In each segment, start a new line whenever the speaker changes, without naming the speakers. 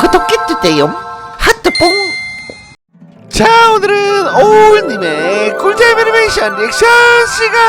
구독해주세요. 하트뽕. 자, 오늘은 오울님의 꿀잼 애니메이션 리액션 시간.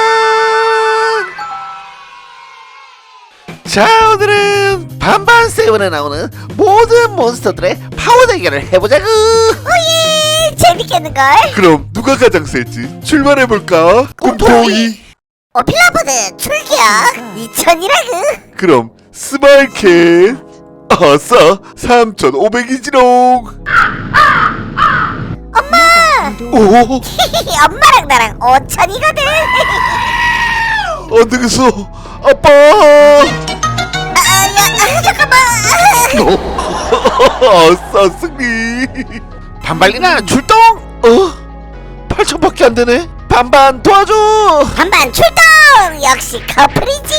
자, 오늘은 반반 세븐에 나오는 모든 몬스터들의 파워 대결을 해보자구.
오예, 재밌겠는걸?
그럼 누가 가장 셀지 출발해볼까? 꿈토이.
오필라보드 출격 2000이라구.
그럼 스마일캣 아싸 3500이지롱.
엄마!
오
엄마랑 나랑 5000이거든.
안되겠어 아빠.
잠깐만.
아싸 승리.
반발리나 출동. 8천밖에 안 되네. 반반 도와줘.
반반 출동. 역시 커플이지.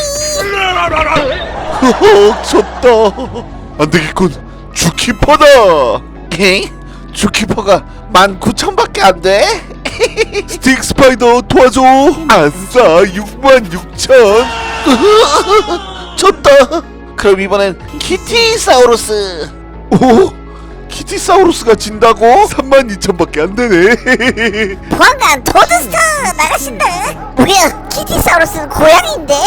졌다. 안되겠군. 주키퍼다.
에이? 주키퍼가 19,000밖에 안 돼?
스틱 스파이더 도와줘. 아싸 66,000.
졌다. 그럼 이번엔 키티사우루스.
오? 키티사우루스가 진다고? 32,000밖에 안 되네.
보안관 토드스터 나가신다. 뭐야, 키티사우루스는 고양이인데?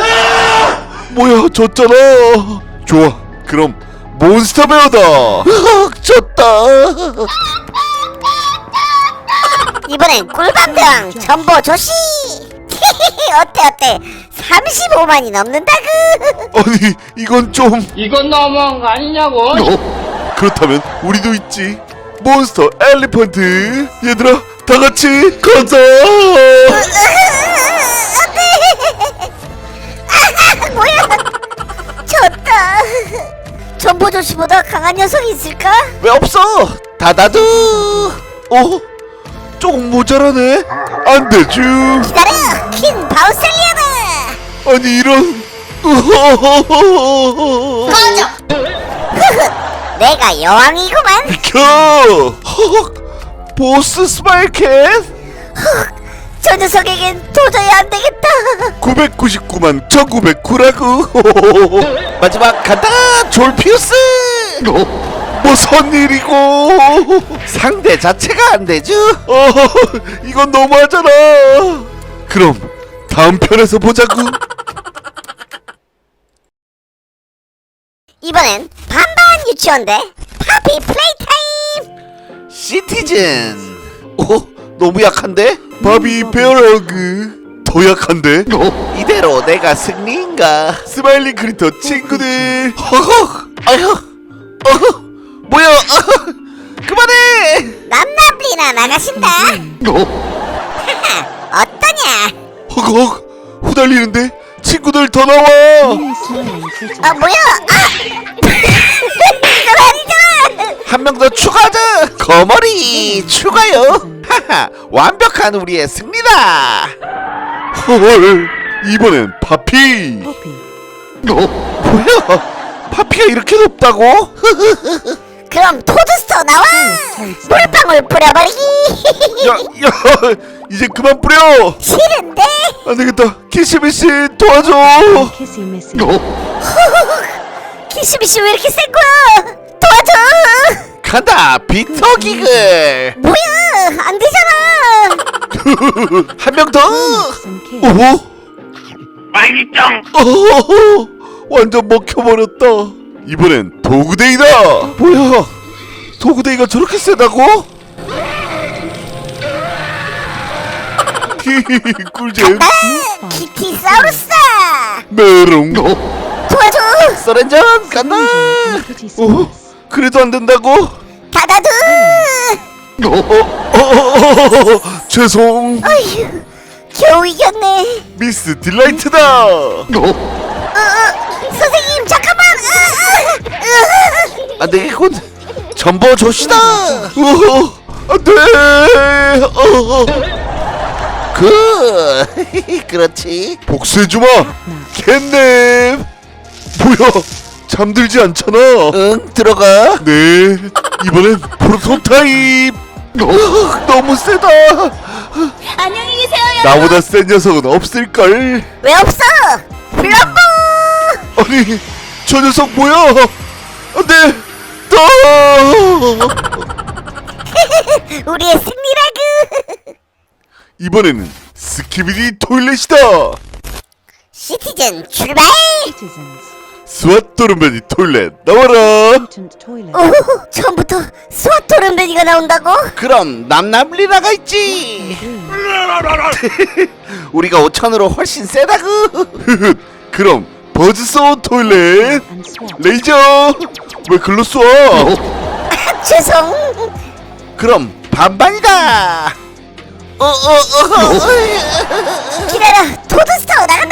뭐야 졌잖아. 좋아 그럼 몬스터 배어다.
졌다.
이번엔 꿀밤병 전보 조시. 어때 35만이 넘는다구.
아니 이건 좀.
이건 너무한 거 아니냐고.
그렇다면 우리도 있지. 몬스터 엘리펀트. 얘들아 다같이 가자.
뭐야, 졌다. 전보 조시보다 강한 녀석이 있을까?
왜 없어? 다다두.
조금 모자라네. 안되쥬.
기다려, 퀸 바우셀리아다.
아니 이런.
꺼져. 내가 여왕이구만.
비켜.
보스 스마일캣.
저 녀석에겐 도저히 안 되겠다.
999만 1909라고.
마지막 간다. 졸피우스.
무슨 일이고.
상대 자체가 안 되죠.
이건 너무하잖아. 그럼 다음 편에서 보자구.
이번엔 반반 유치원대 파피 플레이타임.
시티즌. 너무 약한데?
바비 베어러그 더 약한데?
이대로 내가 승리인가?
스마일링 크리터 친구들.
아휴. 뭐야? 그만해.
남나블리나 나가신다. 어떠냐?
허걱 후달리는데 친구들 더 나와.
뭐야? 이건 아니잖아.
한 명 더 추가하자. 거머리 추가요. 하하, 완벽한 우리의 승리다.
헐 이번엔 파피.
뭐야? 파피가 이렇게 높다고?
그럼 토드스터 나와. 물방울 뿌려버리기.
야 이제 그만 뿌려.
싫은데.
안되겠다. 키시미씨 도와줘.
키스미씨 왜 이렇게 센 거야? 도와줘.
간다. 빅터 기글.
뭐야, 안 되잖아.
한 명 더.
오? 완전 먹혀버렸다. 이번엔 도구데이다.
뭐야? 도구데이가 저렇게 세다고?
꿀잼.
키티사우루스.
메롱.
도와줘.
서렌전 간다.
그래도 안 된다고?
다다두.
죄송.
어휴, 겨우 이겼네.
미스 딜라이트다.
선생님 잠깐만.
안 되겠군. 전보 조시다.
안돼.
그렇지.
복수해주마. 캣넵. 뭐야 잠들지 않잖아.
응, 들어가.
네 이번엔 프로토타입. 너무 세다.
안녕히 계세요.
나보다 센 녀석은 없을걸.
왜 없어? 플럼보.
아니 저 녀석 뭐야. 안돼. 또
우리의 승리라구.
이번에는 스키비디 토일렛이다.
시티즌 출발.
스왓 도르변이 토일렛 나와라.
오, 처음부터 스왓 도른베니가 나온다고?
그럼 남남리나가 있지. 우리가 5천으로 훨씬 세다구.
그럼 버즈소운 토일렛 레이저 왜 글로 쏴?
죄송.
그럼 반반이다.
기다려, 토드스타워 나간다.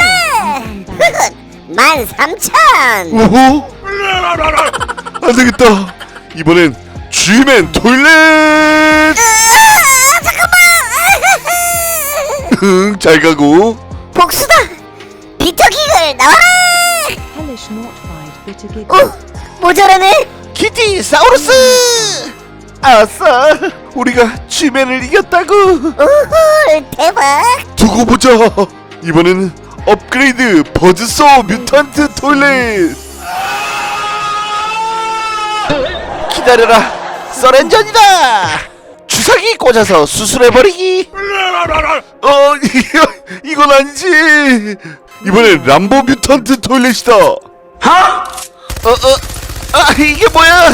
13,000.
오호 안되겠다. 이번엔 G맨 토일렛.
잠깐만.
응, 잘 가고.
복수다. 비터기글 나와라. 오, 모자라네.
키티 사우루스. 아싸, 우리가 G맨을 이겼다구.
우후, 대박.
두고 보자. 이번에는 업그레이드 버즈소 뮤턴트 토일렛.
기다려라, 서렌전이다. 주사기 꽂아서 수술해버리기.
이건 아니지. 이번엔 람보 뮤턴트 토일렛이다.
이게 뭐야?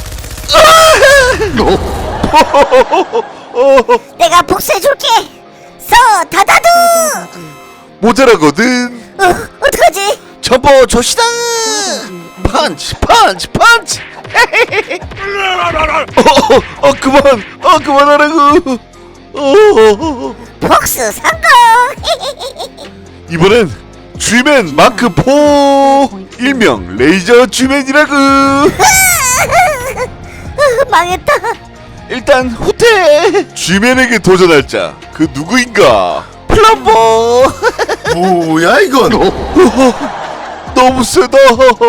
내가 복수해줄게. 다다두.
모자라거든.
어떡하지?
점퍼 조시다. 펀치 펀치 펀치.
그만하라고.
복수 성공.
이번엔 G맨 마크 4 일명 레이저 G맨이라고.
망했다.
일단 후퇴.
G맨에게 도전할 자, 그 누구인가?
플럼보.
뭐야 이건? 너무 세다.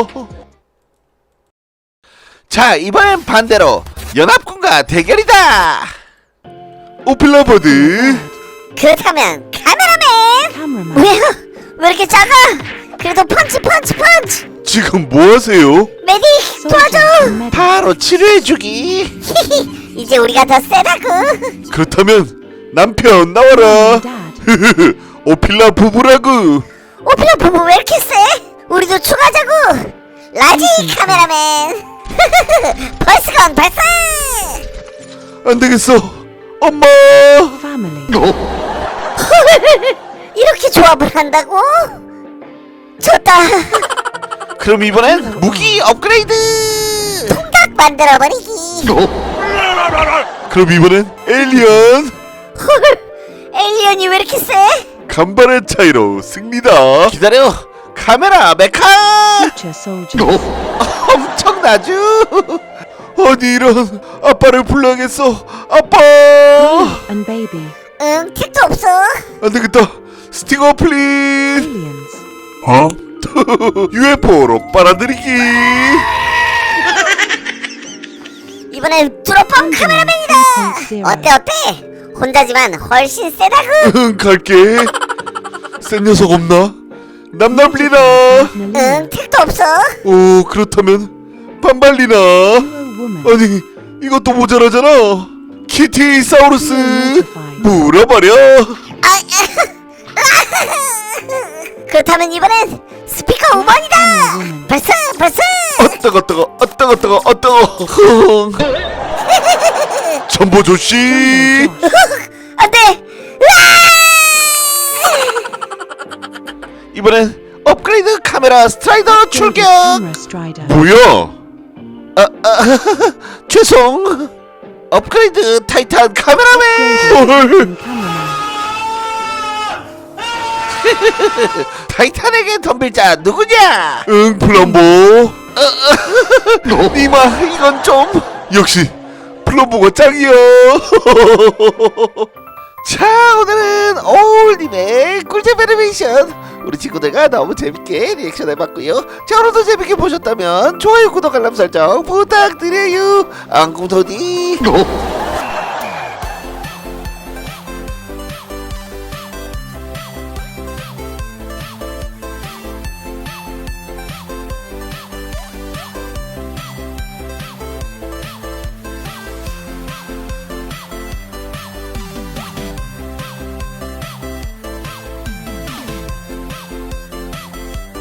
자, 이번엔 반대로 연합군과 대결이다.
오필라버드.
그렇다면 카메라맨. 뭐야? 왜 이렇게 작아? 그래도 펀치.
지금 뭐 하세요?
메딕 도와줘.
바로 치료해주기.
이제 우리가 더 세다구.
그렇다면 남편 나와라. 오필라 부부라고.
오피라 부부 왜 이렇게 세? 우리도 추가자구. 라지 카메라맨. 벌스건 발사.
안 되겠어. 엄마.
이렇게 조합을 한다고? 좋다.
그럼 이번엔 무기 업그레이드.
각 만들어버리기.
그럼 이번엔 에일리언.
헐, 에일리언이 왜 이렇게 세?
간발의 차이로 승리다.
기다려, 카메라 메카. 엄청나죠?
아니 이런, 아빠를 불러야겠어. 아빠.
응, 택도 없어.
안 되겠다. 스팅어 플린. UFO로 빨아들이기.
이번엔 드롭펌 카메라맨이다. 어때? 혼자지만 훨씬 세다구.
응, 갈게. 센 녀석 없나? 남남리나.
응, 택도 없어.
오, 그렇다면 반발리나. 아니 이것도 모자라잖아. 키티 사우루스 물어버려.
그렇다면 이번엔 스피커 5번이다. 벌써.
어떠거. 전보 조씨.
안돼.
이번엔 업그레이드 카메라 스트라이더 출격.
뭐야?
죄송. 업그레이드 타이탄 카메라맨.
헐.
타이탄에게 덤빌 자 누구냐?
응, 플럼보.
니마, 이건 좀.
역시 플럼보가 짱이야.
자, 오늘은 오울님의 꿀잼 애니메이션 우리 친구들과 너무 재밌게 리액션 해봤고요. 자, 오늘도 재밌게 보셨다면 좋아요, 구독, 알람 설정 부탁드려요. 앙궁토디.